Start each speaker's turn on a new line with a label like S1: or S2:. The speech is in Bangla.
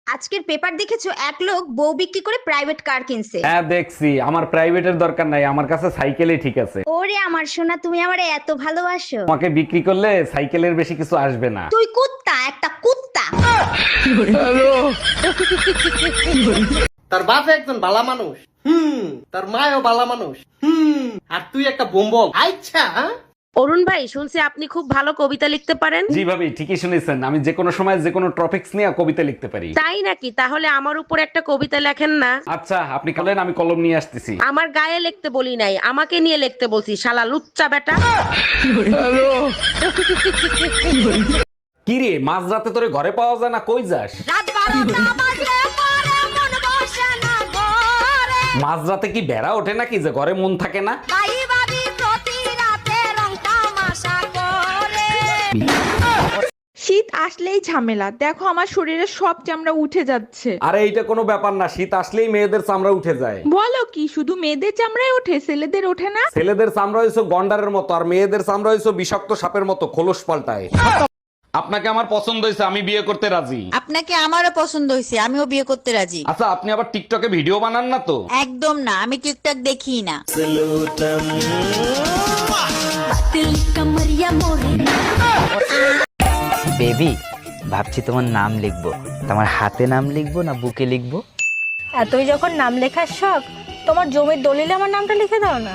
S1: আজকের পেপার দেখেছো, এক লোক বউ বিক্রি করে প্রাইভেট কার কিনছে।
S2: হ্যাঁ দেখছি, আমার প্রাইভেটের দরকার নাই, আমার কাছে সাইকেলই ঠিক আছে।
S1: ওরে আমার সোনা, তুমি আমারে এত ভালোবাসো।
S2: তোমাকে বিক্রি করলে সাইকেলের বেশি কিছু আসবে না।
S1: তুই কুত্তা, একটা কুত্তা।
S3: তার বাপ একজন ভালো মানুষ, তার মায়ও ভালো মানুষ, আর তুই একটা বোম্বল। আচ্ছা,
S4: অরুণ ভাই, শুনছি আপনি খুব ভালো কবিতা লিখতে পারেন।
S2: জি ভাবি, ঠিকই শুনেছেন, আমি যে কোনো সময় যে কোনো টপিকস নিয়ে কবিতা লিখতে পারি।
S4: তাই নাকি? তাহলে আমার উপর একটা কবিতা লেখেন না।
S2: আচ্ছা, আপনি বলেন, আমি কলম নিয়ে আসতেছি।
S4: আমার গায়ে লিখতে বলি নাই, আমাকে নিয়ে লিখতে বলছি, শালা লুচ্চা বেটা।
S2: কি রে, মাঝরাতে তোরে ঘরে পাওয়া যায় না, কই যাস? মাঝরাতে কি বেড়া ওঠে নাকি যে ঘরে মন থাকে না?
S5: শীত আসলেই ঝামেলা, দেখো আমার শরীরের সব চামড়া উঠে যাচ্ছে।
S2: আরে এইটা কোনো ব্যাপার না, শীত আসলেই মেয়েদের চামড়া উঠে যায়।
S5: বলো কি, শুধু মেয়েদের চামড়ায় ওঠে, ছেলেদের ওঠে না?
S2: ছেলেদের চামড়া হইছো গন্ডারের মতো, আর মেয়েদের চামড়া হইছো বিষাক্ত সাপের মতো, খোলস পাল্টায়। আপনাকে আমার পছন্দ হয়েছে, আমি বিয়ে করতে রাজি।
S6: আপনাকে আমারও পছন্দ হয়েছে, আমিও বিয়ে করতে রাজি।
S2: আচ্ছা, আপনি আবার টিকটকে ভিডিও বানান না তো?
S6: একদম না, আমি টিকটক দেখি না।
S7: বেবি, ভাবছি তোমার নাম লিখবো। তোমার হাতে নাম লিখবো না বুকে লিখবো?
S8: এতই যখন নাম লেখার শখ, তোমার জমির দলিলে আমার নামটা লিখে দাও না।